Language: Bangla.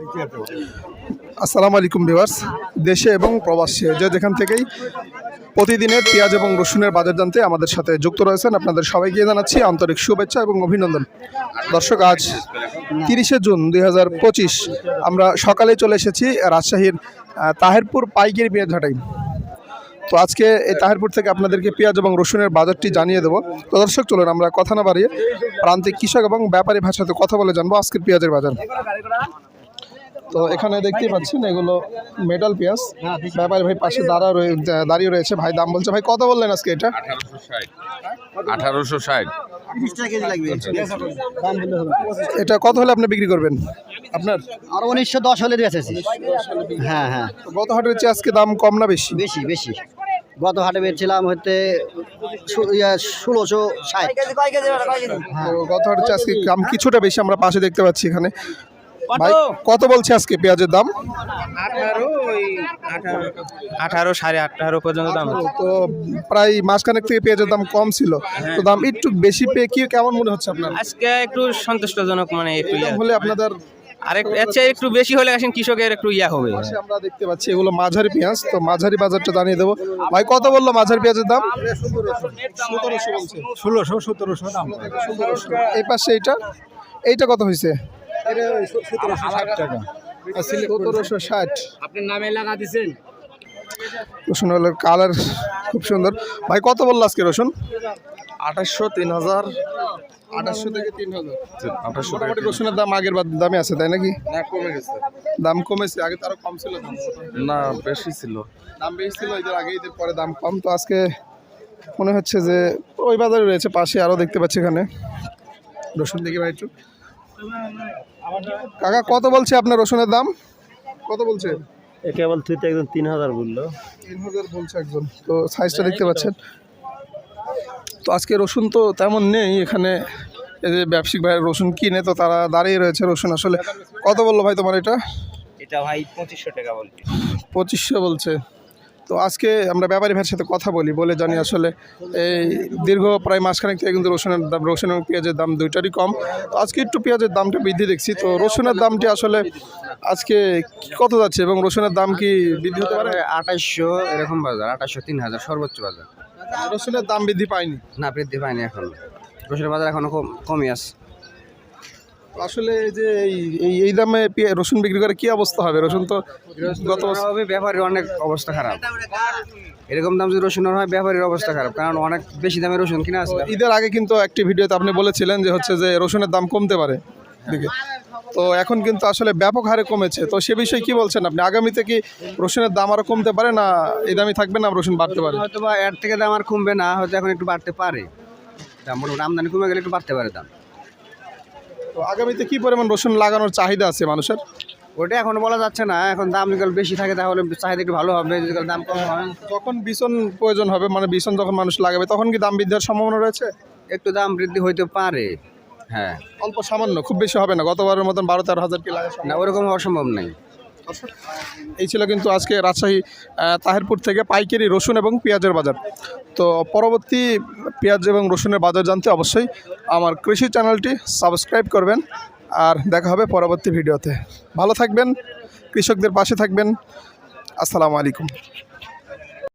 আসসালামু আলাইকুম ভিউয়ার্স, দেশে এবং প্রবাসে যে যেখান থেকেই প্রতিদিনের পেঁয়াজ এবং রসুনের বাজার জানতে আমাদের সাথে যুক্ত রয়েছেন আপনাদের সবাইকে জানাচ্ছি আন্তরিক শুভেচ্ছা এবং অভিনন্দন। দর্শক, আজ 30শে জুন 2025 আমরা সকালে চলে এসেছি রাজশাহীর তাহেরপুর পাইকারি পেঁয়াজ হাটাই। তো আজকে এই তাহেরপুর থেকে আপনাদেরকে পেঁয়াজ এবং রসুনের বাজারটি জানিয়ে দেবো। তো দর্শক, চলুন আমরা কথা না বাড়িয়ে প্রান্তিক কৃষক এবং ব্যাপারী ভাষাতে কথা বলে জানবো আজকের পেঁয়াজের বাজার। তো এখানে দেখতেই পাচ্ছেন এগুলো মেটাল পেঁয়াজ। ব্যাপারী ভাই পাশে দাঁড়িয়ে রয়েছে। ভাই দাম বলছে। ভাই কত বললেন আজকে এটা? 1860। এটা কত হলে আপনি বিক্রি করবেন? আপনার আর 1910 হলে বেচেছি। হ্যাঁ হ্যাঁ, গত হাটের চেয়ে আজকে দাম কম না বেশি? বেশি বেশি। গত হাটে বেচছিলাম হতে 1660। গত হাটের চেয়ে আজকে দাম কিছুটা বেশি আমরা পাশে দেখতে পাচ্ছি। এখানে ভাই কত বলছে আজকে পেঁয়াজের দাম? 18 18.5 পর্যন্ত দাম। তো প্রায় মাসখানেক থেকে পেঁয়াজের দাম কম ছিল, তো দাম একটু বেশি পেয়ে কি কেমন মনে হচ্ছে আপনার? আজকে একটু সন্তুষ্টজনক, মানে একটু হলে আপনাদের একটু বেশি হলে আসেন কৃষকের একটু হবে। আমরা দেখতে পাচ্ছি এগুলো মাঝারি পেঁয়াজ। তো মাঝারি বাজারটা জানিয়ে দেবো। ভাই কত বললো মাঝারি পেঁয়াজের দাম? 1600-1700 দাম। এই পাশে এইটা কত হয়েছে? 1760 টাকা। 1760। আপনার নামে লাগা দিবেন। রসুন কালার খুব সুন্দর। ভাই কত বললো আজকে রসুন? 2800, 3000। 2800 থেকে 3000। 2800 মোটামুটি রসুনের দাম আগের দামে আছে, তাই নাকি? না, কমে গেছে। দাম কমেছে, আগে তো আরো কম ছিল দাম। না, বেশি ছিল। দাম বেশি ছিল ঈদের আগে, ঈদের পরে দাম কম। তো আজকে মনে হচ্ছে যে ওই বাজারে রয়েছে, পাশে আরও দেখতে পাচ্ছি এখানে রসুন। দেখি ভাই একটু। কাকা কত বলছে আপনার রসুনের দাম? কত বলছে? কেবল তুই তো একদম 3000 বললো। 3000 বলছে একজন। তো সাইজটা দেখতে পাচ্ছেন। তো আজকে রসুন তো তেমন নেই এখানে। এই যে ব্যবসায়িক ভাই রসুন কিনে, তো তারা দাঁড়িয়ে রয়েছে। রসুন আসলে কত বললো ভাই তোমার এটা? এটা ভাই 2500 টাকা বলছি। 2500 বলছে। তো আজকে আমরা ব্যাপারী ভাইয়ের সাথে কথা বলে জানি আসলে এই দীর্ঘ প্রায় মাসখানেক থেকে কিন্তু রসুন এবং পেঁয়াজের দাম দুইটারই কম। তো আজকে একটু পেঁয়াজের দামটা বৃদ্ধি দেখছি। তো রসুনের দামটি আসলে আজকে কত যাচ্ছে এবং রসুনের দাম কি বৃদ্ধি হতে পারে? 2800 এরকম বাজার, 2800 3000 সর্বোচ্চ বাজার। রসুনের দাম বৃদ্ধি পায়নি? না, বৃদ্ধি পায়নি এখন। রসুনের বাজার এখনো কমই আছে। আসলে যে এই দামে রসুন বিক্রি করে কি অবস্থা হবে? রসুন তো গত হবে, ব্যাপারীর অনেক অবস্থা খারাপ। এরকম দাম যদি রসুনের হয়, ব্যাপারীর অবস্থা খারাপ, কারণ অনেক বেশি দামে রসুন কিনা আছে। ঈদের আগে কিন্তু একটি ভিডিওতে আপনি বলেছিলেন যে হচ্ছে যে রসুনের দাম কমতে পারে দিকে। তো এখন কিন্তু আসলে ব্যাপক হারে কমেছে। তো সে বিষয়ে কি বলছেন আপনি? আগামীতে কি রসুনের দাম আরও কমতে পারে, না এই দামই থাকবে, না রসুন বাড়তে পারে? হয়তো বা এর থেকে দাম আর কমবে না, হয়তো এখন একটু বাড়তে পারে দাম। মোটামুটি আমদানি কমে গেলে একটু বাড়তে পারে দাম। তো আগামীতে কি পরিমাণ রসুন লাগানোর চাহিদা আছে মানুষের? ওটা এখনো বলা যাচ্ছে না। এখন দাম যদি বেশি থাকে তাহলে চাহিদা একটু ভালো হবে, যদি দাম কম হয়। যখন বিছন প্রয়োজন হবে, মানে বিছন যখন মানুষ লাগাবে, তখন কি দাম বৃদ্ধির সম্ভাবনা রয়েছে? একটু দাম বৃদ্ধি হইতে পারে। হ্যাঁ, অল্প সামান্য, খুব বেশি হবে না। গতবারের মতন 12-13 হাজার কি লাগা না, ওরকম অসম্ভব নাই। এই ছিল কিন্তু আজকে রাজশাহী তাহেরপুর থেকে পাইকারি রসুন এবং পেঁয়াজের বাজার। তো পরবর্তী পেঁয়াজ এবং রসুনের বাজার জানতে অবশ্যই আমার কৃষি চ্যানেলটি সাবস্ক্রাইব করবেন। আর দেখা হবে পরবর্তী ভিডিওতে। ভালো থাকবেন, কৃষকদের পাশে থাকবেন। আসসালামু আলাইকুম।